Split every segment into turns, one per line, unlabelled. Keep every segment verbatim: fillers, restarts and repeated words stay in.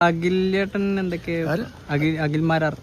അഖിലേട്ടൻ എന്തൊക്കെ അഖിൽ അഖിൽമാരാർ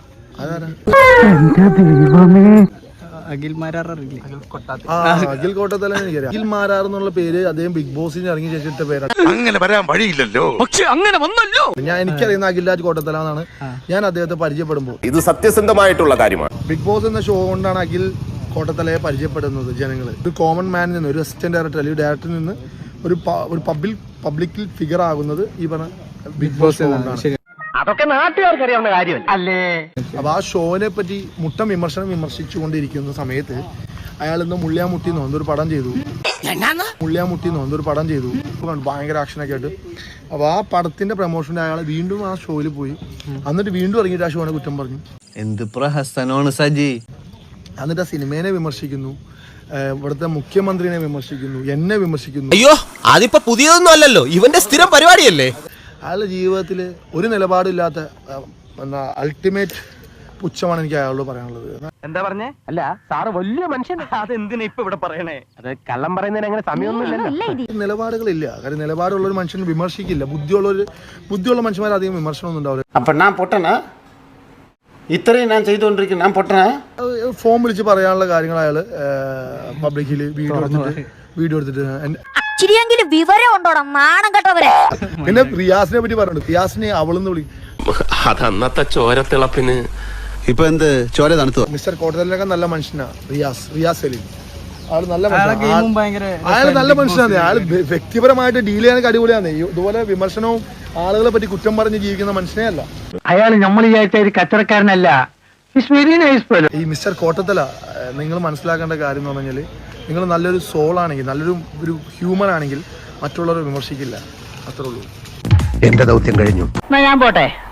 അഖിൽമാരാർ അറിയില്ലേ?
അഖിൽ കോട്ടത്തല അഖിൽ മാരാർ എന്നുള്ള പേര് അദ്ദേഹം ബിഗ് ബോസിന് ഇറങ്ങി ശേഷിട്ട പേരാണ്.
അങ്ങനെ വരാൻ വഴിയില്ലല്ലോ.
പക്ഷെ അങ്ങനെ വന്നല്ലോ.
ഞാൻ എനിക്കറിയുന്ന അഖിൽരാജ് കോട്ടത്തല എന്നാണ് ഞാൻ അദ്ദേഹത്തെ പരിചയപ്പെടുമ്പോൾ.
ഇത് സത്യസന്ധമായിട്ടുള്ള കാര്യമാണ്.
ബിഗ് ബോസ് എന്ന ഷോ കൊണ്ടാണ് അഖിൽ കോട്ടത്തലയെ പരിചയപ്പെടുന്നത് ജനങ്ങൾ. ഒരു കോമൺ മാനിൽ നിന്ന്, ഒരു അസിസ്റ്റന്റ് ഡയറക്ടർ അല്ലെങ്കിൽ ഡയറക്ടറിൽ നിന്ന് ഒരു ഒരു പബ്ലിക് പബ്ലിക്കിൽ ഫിഗർ ആകുന്നത് ഈ പറഞ്ഞ ബിഗ് ബോസ് കൊണ്ടാണ്.
അതൊക്കെ നാട്ടുകാർക്ക് അറിയാവുന്ന കാര്യം അല്ലേ.
അപ്പൊ ആ ഷോനെ പറ്റി മുട്ടം വിമർശനം വിമർശിച്ചുകൊണ്ടിരിക്കുന്ന സമയത്ത് അയാൾ ഇന്ന് മുള്ളിയാമുട്ടി എന്നൊരു പടം ചെയ്തു. മുള്ളിയാമുട്ടി എന്നൊരു പടം ചെയ്തു ഭയങ്കര ആക്ഷനൊക്കെ ആയിട്ട്. അപ്പൊ ആ പടത്തിന്റെ പ്രൊമോഷന് അയാൾ വീണ്ടും ആ ഷോയിൽ പോയി. എന്നിട്ട് വീണ്ടും ഇറങ്ങിയിട്ട് ആ ഷോനെ കുറ്റം പറഞ്ഞു.
എന്ത് പ്രഹസനമാണ് സജി.
എന്നിട്ട് ആ സിനിമേനെ വിമർശിക്കുന്നു, ഇവിടുത്തെ മുഖ്യമന്ത്രിനെ വിമർശിക്കുന്നു, എന്നെ വിമർശിക്കുന്നു.
അയ്യോ അതിപ്പോ പുതിയതൊന്നും അല്ലല്ലോ, ഇവന്റെ സ്ഥിരം പരിപാടിയല്ലേ.
അയാളുടെ ജീവിതത്തിൽ ഒരു നിലപാടില്ലാത്ത എന്താ അൾട്ടിമേറ്റ് പുച്ഛമാണ് എനിക്ക് അയാളോട് പറയാനുള്ളത്.
എന്താ പറഞ്ഞേ? അല്ല സാറ് വലിയ മനുഷ്യൻ. അതെന്തിനാ ഇപ്പൊ ഇവിടെ പറയണേ? അത് കള്ളം പറയുന്നതിന് അങ്ങനെ സമയമൊന്നുമില്ലല്ലോ.
നിലപാടുകളില്ല. കാര്യം നിലപാടുള്ള ഒരു മനുഷ്യൻ വിമർശിക്കില്ല. ബുദ്ധിയുള്ള ഒരു ബുദ്ധിയുള്ള മനുഷ്യന്മാർ അധികം വിമർശനമൊന്നും ഉണ്ടാവില്ല.
അപ്പൊ ഞാൻ പൊട്ടനാ? ഇത്രയും ഞാൻ ചെയ്തുകൊണ്ടിരിക്കുന്നു, ഞാൻ പൊട്ടനാ?
ഫോൺ വിളിച്ച് പറയാനുള്ള കാര്യങ്ങൾ അയാള് പബ്ലിക്കില് വീഡിയോ എടുത്തിട്ട് വീഡിയോ എടുത്തിട്ട്
വിവരം ഉണ്ടോടാ നാണം കെട്ടവരെ.
പിന്നെ റിയാസിനെ പറ്റി പറഞ്ഞിട്ടുണ്ട്. റിയാസിനെ അവളെന്ന് വിളിക്കും.
അതന്നത്തെ ചോരത്തിളപ്പിന്
ഇപ്പൊ എന്ത് ചോര തണുത്തു.
മിസ്റ്റർ കോട്ടത്തലിനൊക്കെ നല്ല മനുഷ്യനാ റിയാസ് റിയാസ് സലീം. ആള് നല്ല
ഭയങ്കര
അയാൾ നല്ല മനുഷ്യനാണ്. അയാൾ വ്യക്തിപരമായിട്ട് ഡീൽ ചെയ്യാനൊക്കെ അടിപൊളിയാണ്. ഇതുപോലെ വിമർശനവും ആളുകളെ പറ്റി കുറ്റം പറഞ്ഞ് ജീവിക്കുന്ന മനുഷ്യനേ അല്ല
അയാൾ. നമ്മൾ വിചാരിച്ച ഒരു കച്ചവടക്കാരനല്ല.
ഈ മിസ്റ്റർ കോട്ടത്തല നിങ്ങൾ മനസ്സിലാക്കേണ്ട കാര്യം എന്ന് പറഞ്ഞാൽ, നിങ്ങൾ നല്ലൊരു സോൾ ആണെങ്കിൽ, നല്ലൊരു ഒരു ഹ്യൂമൻ ആണെങ്കിൽ മറ്റുള്ളവരെ വിമർശിക്കില്ല. അത്രേ ഉള്ളൂ.
എന്റെ ദൗത്യം കഴിഞ്ഞു.
ഞാൻ പോട്ടെ.